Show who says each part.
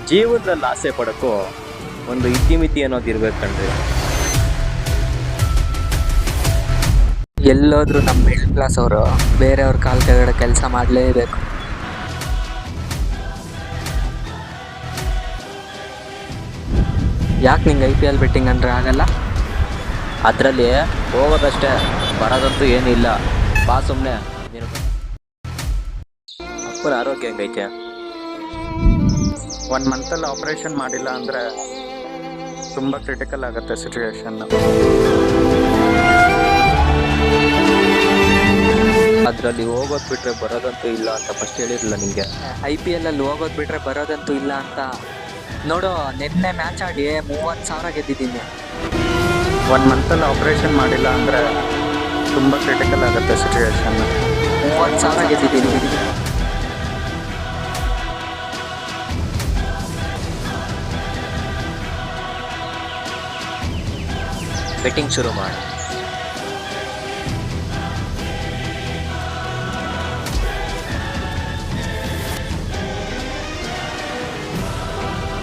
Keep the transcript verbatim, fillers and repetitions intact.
Speaker 1: ಜೀವನದಲ್ಲಿ ಆಸೆ ಪಡೋಕ್ಕೂ ಒಂದು ಇತಿಮಿತಿ ಅನ್ನೋದು ಇರ್ಬೇಕು ಕಣ್ರಿ.
Speaker 2: ಎಲ್ಲೋದ್ರು ನಮ್ಮ ಮಿಡ್ಲ್ ಕ್ಲಾಸ್ ಅವರು ಬೇರೆಯವ್ರ ಕಾಲ್ ಕೆಳಗಡೆ ಕೆಲಸ ಮಾಡಲೇಬೇಕು. ಯಾಕೆ ನಿಂಗೆ ಐ ಪಿ ಎಲ್ ಬೆಟ್ಟಿಂಗ್ ಅಂದರೆ ಆಗಲ್ಲ?
Speaker 1: ಅದರಲ್ಲಿ ಹೋಗೋದಷ್ಟೇ, ಬರೋದಂತೂ ಏನಿಲ್ಲ. ಬಾ ಸುಮ್ಮನೆ. ನೀನು ಅಪ್ಪನ ಆರೋಗ್ಯ ಹೆಂಗೈತೆ?
Speaker 3: ಒನ್ ಮಂತಲ್ಲಿ ಆಪ್ರೇಷನ್ ಮಾಡಿಲ್ಲ ಅಂದರೆ ತುಂಬ ಕ್ರಿಟಿಕಲ್ ಆಗುತ್ತೆ ಸಿಚುವೇಶನ್.
Speaker 1: ಅದರಲ್ಲಿ ಹೋಗೋದು ಬಿಟ್ರೆ ಬರೋದಂತೂ ಇಲ್ಲ ಅಂತ ಫಸ್ಟ್ ಹೇಳಿರಲಿಲ್ಲ ನಿಮಗೆ?
Speaker 2: ಐ ಪಿ ಎಲ್ ಅಲ್ಲಿ ಹೋಗೋದು ಬಿಟ್ರೆ ಬರೋದಂತೂ ಇಲ್ಲ ಅಂತ. ನೋಡು, ನಿನ್ನೆ ಮ್ಯಾಚ್ ಆಡಿ ಮೂವತ್ತು ಸಾವಿರ ಗೆದ್ದಿದ್ದೀನಿ.
Speaker 3: ಒನ್ ಮಂತಲ್ಲಿ ಆಪ್ರೇಷನ್ ಮಾಡಿಲ್ಲ ಅಂದರೆ ತುಂಬ ಕ್ರಿಟಿಕಲ್ ಆಗುತ್ತೆ ಸಿಚುವೇಶನ್.
Speaker 2: ಮೂವತ್ತು ಸಾವಿರ ಗೆದ್ದಿದ್ದೀನಿ.
Speaker 1: ಬೆಟ್ಟಿಂಗ್ ಶುರು ಮಾಡಿ.